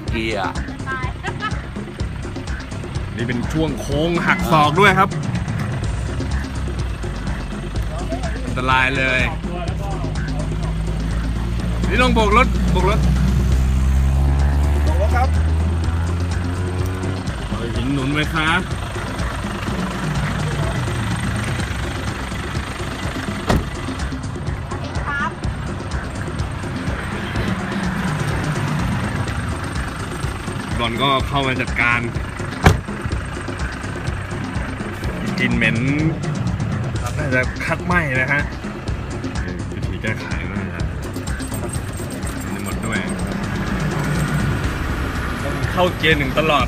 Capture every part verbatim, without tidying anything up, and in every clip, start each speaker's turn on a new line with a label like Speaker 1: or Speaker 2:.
Speaker 1: เกียร์
Speaker 2: นี่เป็นช่วงโค้งหักศอกด้วยครับอันตรายเลยนี่ลงโบกรถโบกรถโบกรถครับหินหนุนไหมครับบอลก็เข้ามาจัดการกลิ่นเหม็นน่าจะคัดไหม้นะฮะวิธีแก้ไขก็จะหมดด้วยต้องเข้าเกียร์หนึ่งตลอด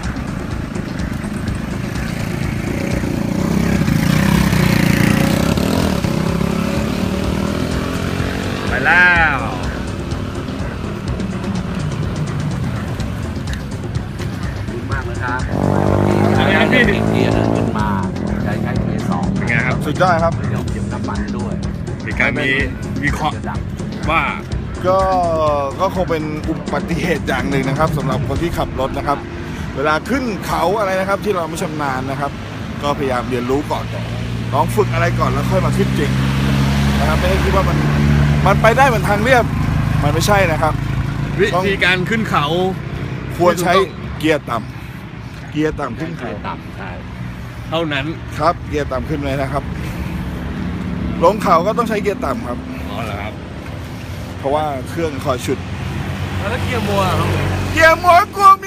Speaker 2: ไปแล้ว
Speaker 1: ดีมากเลยครับ
Speaker 2: อะไรครับพี่
Speaker 1: เกียร์หนึ่งขึ้นมาใช้ใช้เกียร์สอง
Speaker 2: เป็นไงครับ
Speaker 3: สุดยอดครับ
Speaker 1: เดี๋ยวเก็บน้ำมันด้วย
Speaker 2: มีการมีวิเคราะห์ว่า
Speaker 3: ก็ก็คงเป็นอุบัติเหตุอย่างหนึ่งนะครับสำหรับคนที่ขับรถนะครับเวลาขึ้นเขาอะไรนะครับที่เราไม่ชำนาญนะครับก็พยายามเรียนรู้ก่อนลองฝึกอะไรก่อนแล้วค่อยมาขึ้นจริงนะครับไม่ได้คิดว่ามันมันไปได้เหมือนทางเรียบมันไม่ใช่นะครับ
Speaker 2: วิธีการขึ้นเขา
Speaker 3: ควรใช้เกียร์ต่ำเกียร์ต่ำขึ้นเขา
Speaker 1: ต่ำใช่
Speaker 2: เท่านั้น
Speaker 3: ครับเกียร์ต่ำขึ้นเลยนะครับลงเขาก็ต้องใช้เกียร์ต่ำครับ
Speaker 2: อ๋อเหรอครับ
Speaker 3: เพราะว่าเครื่องคอยฉุด
Speaker 2: แล้วเกียร์มัวครับ
Speaker 3: เกียร์มัวกลัวมี